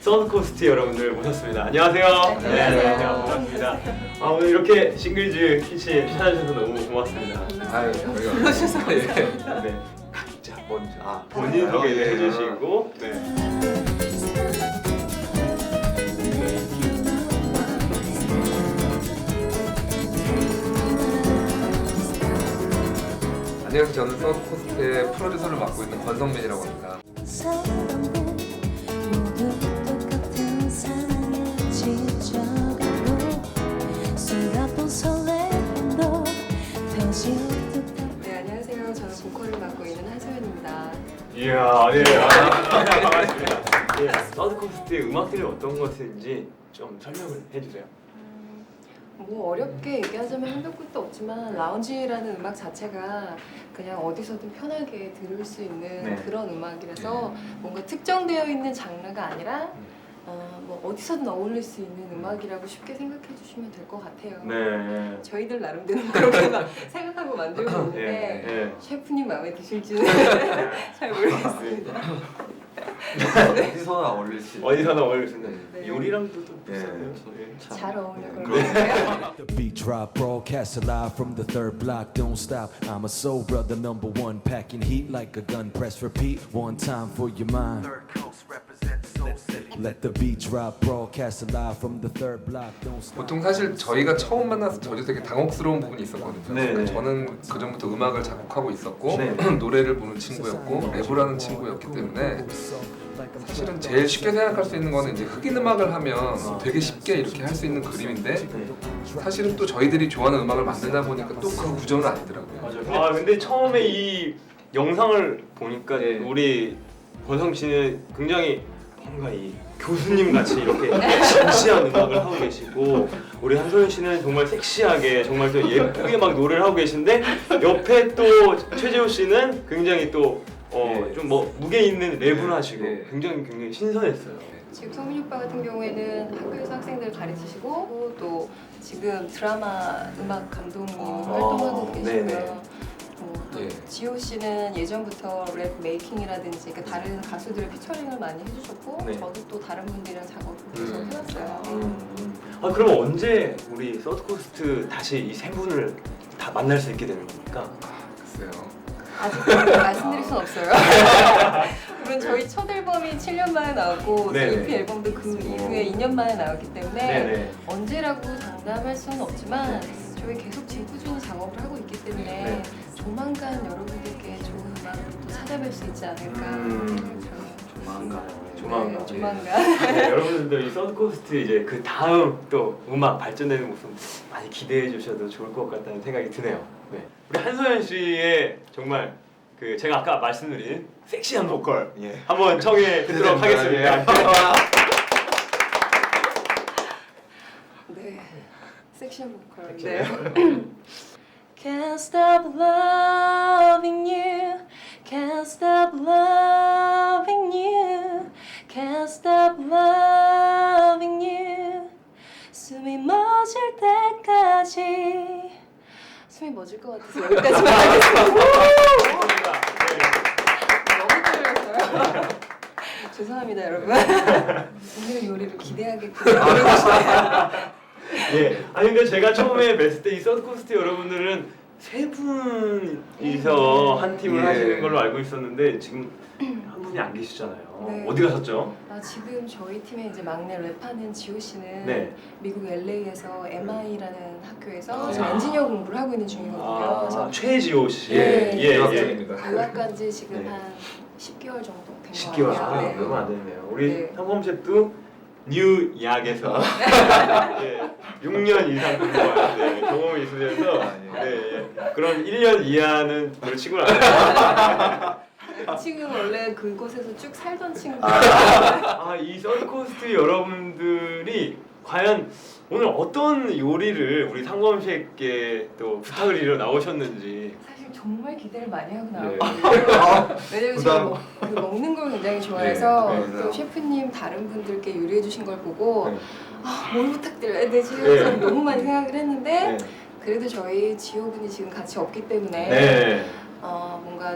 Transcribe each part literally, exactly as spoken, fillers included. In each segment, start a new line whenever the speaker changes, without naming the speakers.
서드코스트 여러분들 모셨습니다. 안녕하세요.
네,
네,
안녕하세요.
반갑습니다. 아, 오늘 이렇게 싱글즈 키친 찾아주셔서 너무 고맙습니다.
아유, 저희가 불러주셔서
네. 네. 각자 먼저 아, 본인
아,
소개를
예.
해주시고 네.
안녕하세요. 저는 서드코스트의 프로듀서를 맡고 있는 권성민이라고 합니다.
네, 안녕하세요. 저는 보컬을 맡고 있는 한소연입니다.
이야, 네, 아, 반갑습니다. 네, 서드코스트의 음악들이 어떤 것인지 좀 설명을 해주세요.
뭐 어렵게 얘기하자면 한도 끝도 없지만 라운지라는 음악 자체가 그냥 어디서든 편하게 들을 수 있는
네.
그런 음악이라서 뭔가 특정되어 있는 장르가 아니라 어, 뭐 어디서든 어울릴 수 있는 음악이라고 쉽게 생각해 주시면 될 것 같아요.
네.
저희들 나름대로 그렇게 막 생각하고 만들고 있는데
네, 네.
셰프님 마음에 드실지는 잘 모르겠습니다.
어디서나 어울릴 수 있는.
어디서나 어울릴 수 있는
네.
요리랑도 또
네.
비슷하네요.
잘 어울릴 것
그럼.
같아요.
The beat drop, broadcast alive from the third block. Don't stop. I'm a soul brother, number one, packing heat like a gun. Press repeat one time for your mind. Let the beat drop, broadcast alive from the third block. Don't stop.
보통 사실 저희가 처음 만나서 저도 되게 당혹스러운 부분이 있었거든요.
네,
그러니까
네.
저는 그 전부터 음악을 작곡하고 있었고
네.
노래를 부는 친구였고 랩을 하는 친구였기 때문에 사실은 제일 쉽게 생각할 수 있는 거는 이제 흑인 음악을 하면 되게 쉽게 이렇게 할 수 있는 그림인데 사실은 또 저희들이 좋아하는 음악을 만들다 보니까 또 그 구조는 아니더라고요.
맞아요. 아 근데 처음에 이 영상을 보니까
네.
우리 권성 씨는 굉장히 뭔가 이 교수님 같이 이렇게 진지한 음악을 하고 계시고 우리 한소연 씨는 정말 섹시하게 정말 또 예쁘게 막 노래를 하고 계신데 옆에 또 최재호 씨는 굉장히 또 어
네.
좀 뭐 무게 있는 랩을 하시고
네.
굉장히 굉장히 신선했어요.
지금 성민 오빠 같은 경우에는 학교에서 학생들 가르치시고 또 지금 드라마 음악 감독님으로 활동하고 계시고요.
네네.
뭐,
예.
지호 씨는 예전부터 랩 메이킹이라든지 그러니까 다른 가수들을 피처링을 많이 해주셨고
네.
저도 또 다른 분들이랑 작업을 계속
음.
해왔어요.
음. 아 그럼 언제 우리 서드코스트 다시 이 세 분을 다 만날 수 있게 되는 겁니까?
글쎄요.
아직 말씀드릴 순 없어요. 물론 저희 첫 앨범이 칠 년 만에 나왔고
네네.
이피 앨범도 그 이후에 이 년 만에 나왔기 때문에
네네.
언제라고 장담할 수는 없지만 저희 계속 꾸준히 작업을 하고 있기 때문에
네.
조만간 여러분들께 좋은 음악을 또 찾아뵐 수 있지 않을까.
음.
저는
조만간.
네,
조만간.
조만간.
네, 여러분들도 이 서드코스트 이제 그 다음 또 음악 발전되는 모습 많이 기대해 주셔도 좋을 것 같다는 생각이 드네요. 네. 우리 한소연 씨의 정말 그 제가 아까 말씀드린 섹시한 보컬
예.
한번 청해 듣도록 하겠습니다.
네. 섹션 보컬.
섹션
네. Can't stop loving you. Can't stop loving you. Can't stop loving you. 숨이 멎을 때까지. 숨이 멎을 것 같아서 여기까지만 하겠습니다. 너무 떨렸어요. 죄송합니다, 여러분. 오늘 요리를 기대하게끔 보내주시네요.
예. 아니 근데 제가 처음에 뵀을 때 이 서드코스트 여러분들은 세 분이서 한 팀을
예.
하시는 걸로 알고 있었는데 지금 한 분이 안 계시잖아요.
네.
어디 가셨죠?
아, 지금 저희 팀의 이제 막내 랩하는 지호 씨는
네.
미국 엘에이에서 엠아이라는 학교에서
아.
지금 엔지니어 공부를 하고 있는 중이거든요. 그래서
아, 최지호 씨.
예,
예,
유학
예.
중입니다.
유학 간지 지금
네.
한 십 개월 정도 된
십
것
개월
같아요.
아,
네.
얼마 안 됐네요. 우리
네.
상범 셰프도 뉴약에서 예, 육 년 이상 공부한 네, 경험이 있으셔서
아, 예.
네, 예. 그런 일 년 이하는 별 친구는 아니에요.
지금 원래 그곳에서 쭉 살던 친구.
아, 이 서드코스트 여러분들이 과연 오늘 어떤 요리를 우리 상범 셰프께 또 부탁을 드려 나오셨는지.
사실 정말 기대를 많이 하고
네.
나왔거든요. 왜냐면
부담.
제가 먹, 그 먹는 걸 굉장히 좋아해서
네,
네.
또 셰프님 다른 분들께 요리해 주신 걸 보고
네.
아, 뭘 부탁드려야 되지?
네.
그래서 너무 많이 생각을 했는데
네.
그래도 저희 지호분이 지금 같이 없기 때문에
네.
어, 뭔가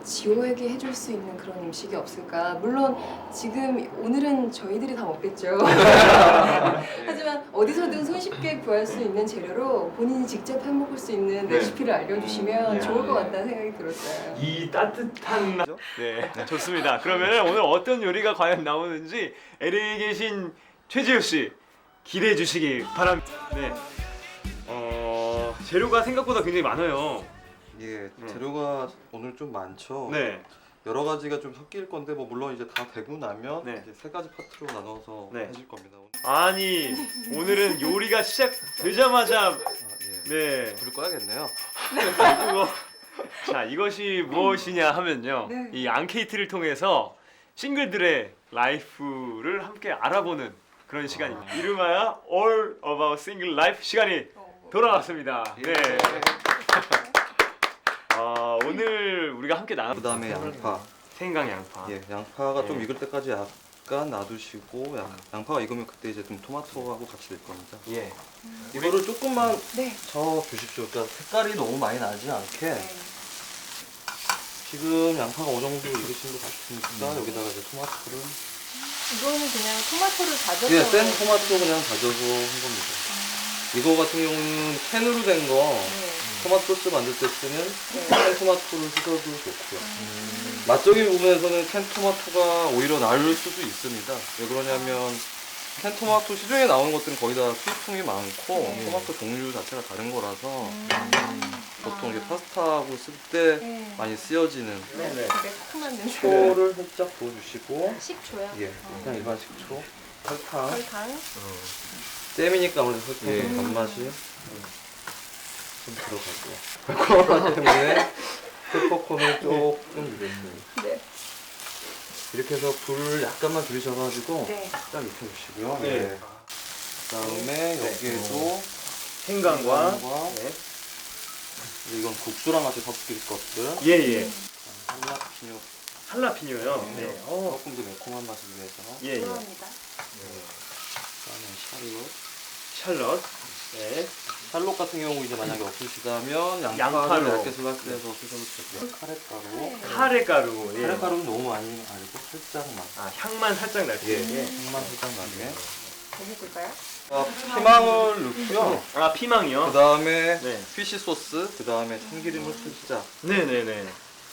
지호에게 해줄 수 있는 그런 음식이 없을까? 물론 지금 오늘은 저희들이 다 먹겠죠. 하지만 어디서든 손쉽게 구할 수 있는 재료로 본인이 직접 해먹을 수 있는
네.
레시피를 알려주시면
음.
좋을 것 같다는 생각이 들었어요.
이 따뜻한 나- 네 좋습니다. 그러면 오늘 어떤 요리가 과연 나오는지 엘에이에 계신 최지우 씨 기대해 주시기 바랍니다. 네. 어 재료가 생각보다 굉장히 많아요.
예,
음.
재료가 오늘 좀 많죠.
네.
여러 가지가 좀 섞일 건데 뭐 물론 이제 다 되고 나면
네.
이제 세 가지 파트로 나눠서
네.
해줄 겁니다.
아니 오늘은 요리가 시작되자마자
아, 예.
네.
불 꺼야겠네요.
그리고 자 이것이 무엇이냐 하면요
네.
이 앙케이트를 통해서 싱글들의 라이프를 함께 알아보는 그런 시간입니다. 이름하여 All About Single Life 시간이
어,
돌아왔습니다. 네.
예.
아, 오늘 우리가 함께 나눠
그다음에 양파.
생강 양파.
예, 양파가 좀
예.
익을 때까지 약간 놔두시고 양, 양파가 익으면 그때 이제 좀 토마토하고 같이 넣을 겁니다.
예.
이거를 조금만
네.
저 주십시오. 그러니까 색깔이 너무 많이 나지 않게.
네.
지금 양파가 어느 정도 익으신 것 같으니까 여기다가 이제 토마토를
이거는 그냥 토마토를 다져서
예, 센 토마토 그냥 다져서 한 겁니다. 이거 같은 경우는 캔으로 된 거
네.
토마토 소스 만들 때 쓰는
네.
캔 토마토를 쓰셔도 좋고요. 맛적인 부분에서는 캔 토마토가 오히려 나을 수도 있습니다. 왜 그러냐면 캔 토마토 시중에 나오는 것들은 거의 다 수입품이 많고
네.
토마토 종류 자체가 다른 거라서
음.
보통 이제
아.
파스타하고 쓸 때
네.
많이 쓰여지는
네네.
되게 새콤한 냄새.
식초를 살짝 부어주시고
식초요?
예, 그냥 일반 식초 설탕
설탕.
잼이니까 아무래도 설탕의
예.
단맛이 좀 들어가고요. 그렇기 때문에 페퍼콘을 조금 넣겠습니다.
네.
이렇게 해서 불을 약간만 줄이셔가지고
네.
딱 익혀주시고요.
네.
네. 그다음에 여기에도
생강과
생강과
네.
이건 국수랑 같이 섞일 것들.
예예.
할라피뇨
할라피뇨요.
네.
네. 어.
조금 더 매콤한 맛을 위해서.
예예.
들어갑니다.
그다음에 샬롯.
샬럿. 네.
샬롯 같은 경우 이제 만약에 없으시다면 양파를
양파로.
얇게 슬라이스해서 쓰셔도 되고요. 카레가루.
네.
카레가루. 예.
카레가루는 너무 많이 아니고 살짝만.
아 향만 살짝 날 수
예.
있게.
향만 살짝 나게.
더 볶을까요?
아, 피망을 넣고요.
아 피망이요.
그 다음에
네.
피쉬 소스, 그 다음에 참기름을 살짝.
네네네.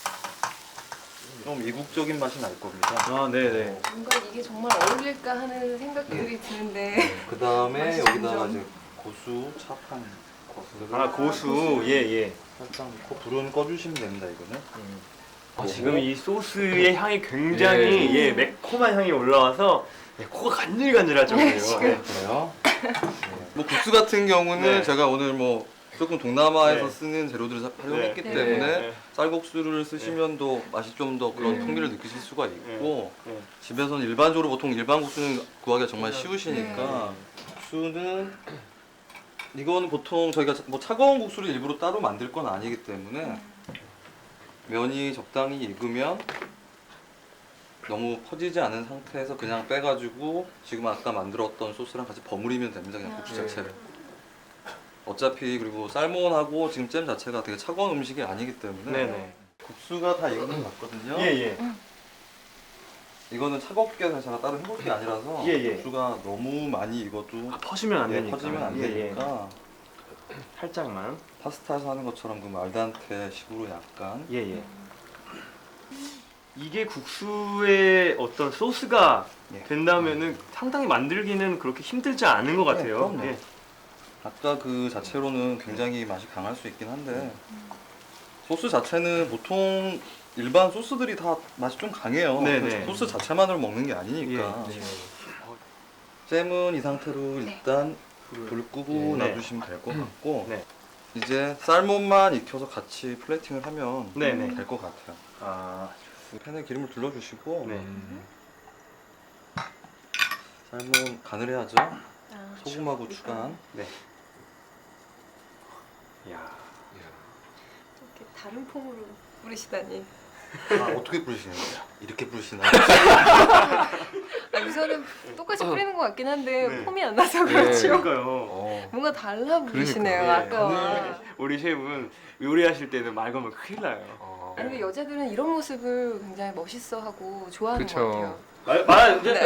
좀 이국적인 맛이 날 겁니다.
아 네네.
뭔가 이게 정말 어울릴까 하는 생각들이 드는데
그 다음에
맛이
여기다가
점점.
이제 고수, 착한 고수를
아 고수. 예예.
살짝 넣고 불은 꺼주시면 됩니다. 이거는.
아, 지금 이 소스의 향이 굉장히 예, 매콤한 향이 올라와서 예, 코가 간질간질할 정도예요.
지금.
네.
그래요. 뭐 국수 같은 경우는
네.
제가 오늘 뭐 조금 동남아에서
네.
쓰는 재료들을 사- 활용했기
네.
때문에
네.
쌀국수를 쓰시면 더 맛이 좀 더 그런
음.
풍미를 느끼실 수가 있고
네.
집에서는 일반적으로 보통 일반 국수는 구하기가 정말
네.
쉬우시니까 국수는 이건 보통 저희가 자- 뭐 차가운 국수를 일부러 따로 만들 건 아니기 때문에 면이 적당히 익으면 너무 퍼지지 않은 상태에서 그냥 빼가지고 지금 아까 만들었던 소스랑 같이 버무리면 됩니다. 그냥 국수
네.
자체를. 어차피 그리고 살몬하고 지금 잼 자체가 되게 차가운 음식이 아니기 때문에
네네.
국수가 다 익은 것 같거든요.
예예.
이거는 차갑게 해서 제가 따로 해볼 게 아니라서
예, 예.
국수가 너무 많이 익어도
아, 퍼지면 안
예,
되니까.
퍼지면 안
예,
되니까
예. 살짝만.
파스타에서 하는 것처럼 그 말단테 식으로 약간
예예. 이게 국수의 어떤 소스가
예.
된다면은 상당히 만들기는 그렇게 힘들지 않은 것 같아요.
그럼요.
예.
아까 그 자체로는 굉장히 맛이 강할 수 있긴 한데 소스 자체는 보통 일반 소스들이 다 맛이 좀 강해요.
네네.
소스 자체만으로 먹는 게 아니니까.
예.
잼은 이 상태로
네.
일단 불 끄고
네.
놔두시면 될 것 같고
네.
이제 쌀몬만 익혀서 같이 플레이팅을 하면
네네.
될 것 같아요.
아,
팬에 기름을 둘러주시고
네.
쌀몬 간을 해야죠.
아,
소금하고 추간.
네. 야.
이렇게 다른 폼으로 뿌리시다니.
아, 어떻게 뿌리시는 거예요? 이렇게 뿌리시나요?
아, 우선은 똑같이 뿌리는 것 같긴 한데
네.
폼이 안 나서
네.
그렇죠.
그러니까요.
어.
뭔가 달라 보이시네요.
예,
아까와.
오늘 우리 셰프는 요리하실 때는 말 걸면 큰일 나요.
어.
어.
아니면 여자들은 이런 모습을 굉장히 멋있어하고 좋아하는
그쵸.
것 같아요.
말, 말 이제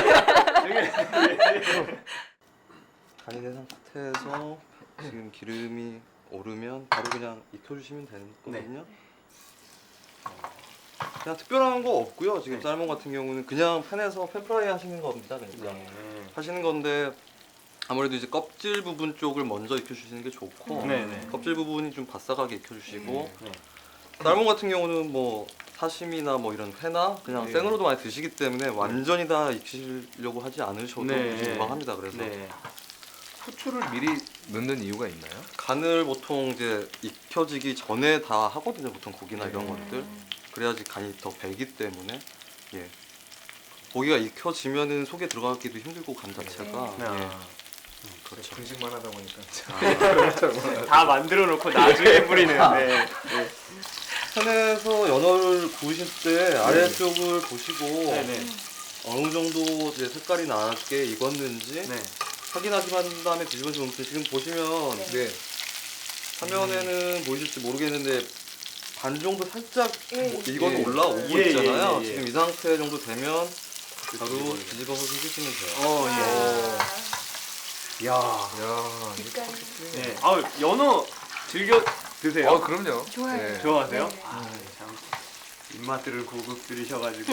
간이 된 상태에서 지금 기름이 오르면 바로 그냥 익혀주시면 되거든요. 어, 그냥 특별한 거 없고요. 지금
네.
쌀몬 같은 경우는 그냥 팬에서 팬프라이 하시는 겁니다. 그러니까 하시는 건데 아무래도 이제 껍질 부분 쪽을 먼저 익혀주시는 게 좋고
네네.
껍질 부분이 좀 바싹하게 익혀주시고
네.
쌀몬 같은 경우는 뭐 사심이나 뭐 이런 회나 그냥
네.
생으로도 많이 드시기 때문에 완전히 다 익히려고 하지 않으셔도
네.
무방합니다. 그래서
네.
후추를 미리 넣는 이유가 있나요?
간을 보통 이제 익혀지기 전에 다 하거든요. 보통 고기나 이런
네.
것들 그래야지 간이 더 배기 때문에 예. 고기가 익혀지면은 속에 들어가기도 힘들고 간 자체가
네.
예.
음,
그렇죠.
분식만 하다 보니까
다 만들어 놓고 나중에 뿌리는. 네.
팬에서 연어를 구우실 때 아래쪽을 보시고
네네.
어느 정도 이제 색깔이 나게 익었는지
네.
확인하신 다음에 뒤집어서 놓으면 지금 보시면
네.
화면에는 보이실지 모르겠는데 반 정도 살짝
예.
뭐 익어서
예.
올라오고
예, 예,
있잖아요.
예, 예.
지금 이 상태 정도 되면 바로 뒤집어서 해주시면 돼요.
어, 예. 야.
야,
빛깔.
네. 아, 연어 즐겨 드세요?
어, 그럼요.
좋아요.
네.
좋아하세요?
네.
아, 참 입맛들을 고급 들이셔가지고.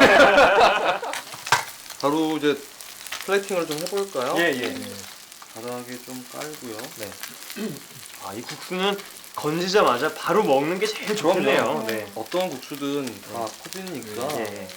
바로 이제 플레이팅을 좀 해볼까요?
예, 예.
바닥에 좀 깔고요.
네. 아, 이 국수는 건지자마자 바로 먹는 게 제일 좋겠네요. 네.
어떤 국수든 다 퍼지니까
예.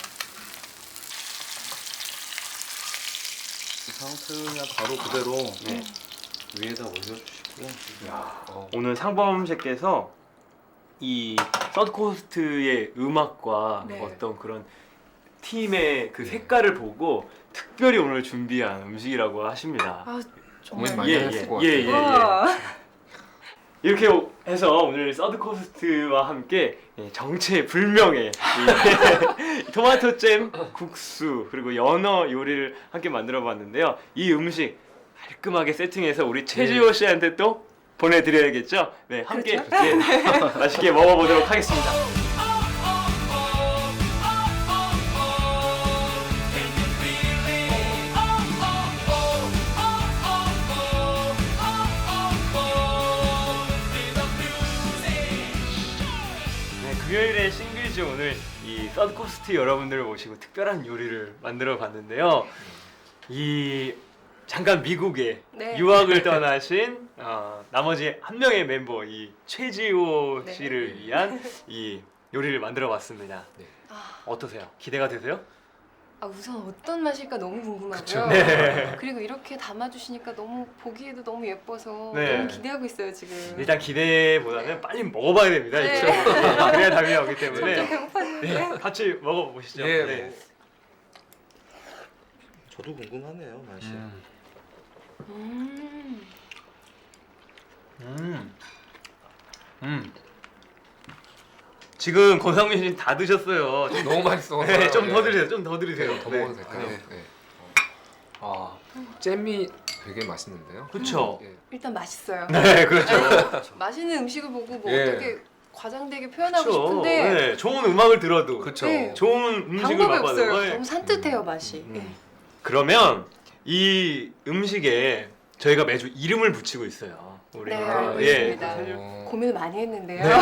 이 상태를 그냥 바로 그대로
네.
위에다 올려주시고요.
야,
어.
오늘 상범 셰프께서 이 서드코스트의 음악과
네.
어떤 그런 팀의 그 색깔을 보고 특별히 오늘 준비한 음식이라고 하십니다.
아
고민
정말.
많이
예,
했을
예,
것
예,
같아요.
예.
와.
이렇게 해서 오늘 서드코스트와 함께 정체불명의 이 토마토 잼 국수 그리고 연어 요리를 함께 만들어봤는데요. 이 음식 깔끔하게 세팅해서 우리 최지호 씨한테 또 보내드려야겠죠? 네, 함께
그렇죠?
예, 맛있게 먹어보도록 하겠습니다. 네, 금요일에 싱글즈 오늘 이 서드코스트 여러분들을 모시고 특별한 요리를 만들어 봤는데요. 이 잠깐 미국에
네.
유학을 떠나신 어, 나머지 한 명의 멤버 이 최지호
네.
씨를 위한 이 요리를 만들어 봤습니다.
아,
어떠세요? 기대가 되세요?
아, 우선 어떤 맛일까 너무 궁금하고요.
네.
그리고 이렇게 담아주시니까 너무 보기에도 너무 예뻐서
네.
너무 기대하고 있어요 지금.
일단 기대보다는 빨리 먹어봐야 됩니다.
네.
이거. 네, 그래야 답이 나오기 때문에
점점 배고파지는데.
네, 같이 먹어보시죠.
예,
네.
뭐.
저도 궁금하네요, 맛이.
음.
음.
음. 음. 지금 권상민 씨 다 드셨어요. 좀,
너무 맛있어.
네, 좀 더
예.
드세요. 좀 더 드세요.
더
네.
먹어도 될까요?
네.
네. 아, 잼이 되게 맛있는데요.
그쵸?
예.
일단 맛있어요.
네, 그렇죠.
아니, 맛있는 음식을 보고 뭐
예.
어떻게 과장되게 표현하고
그렇죠.
싶은데
네, 좋은 음악을 들어도
그쵸.
네.
좋은 음식을
방법이
맛봐도
없어요.
네.
너무 산뜻해요 맛이.
음.
예.
그러면 이 음식에 저희가 매주 이름을 붙이고 있어요. 우리
네,
알고
있습니다.
예.
어,
고민을 많이 했는데요.
네.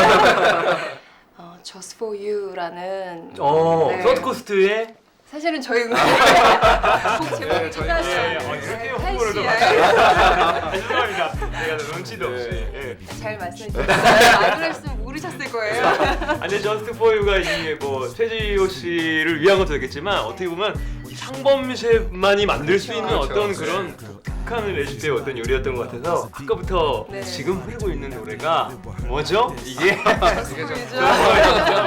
어, Just for You라는
어,
네.
서드코스트의
사실은 저희 음악 곡 제목이
네, 저희-
끝났어요.
예, 예. 어, 이렇게
한
홍보를 좀
시에.
아, 죄송합니다. 제가 눈치도 없이. 예.
잘 말씀해 주셨어요. 안 그랬으면 모르셨을 거예요.
아니 저스트 포유가 이 뭐 최지호 씨를 위한 것도 되겠지만 어떻게 보면 이 상범 셰프만이 만들 수 있는
그렇죠.
어떤 그런 독특한 레시피의 어떤 요리였던 것 같아서 아까부터
네.
지금 흐르고 있는 노래가 뭐죠? 이게
Just for You죠.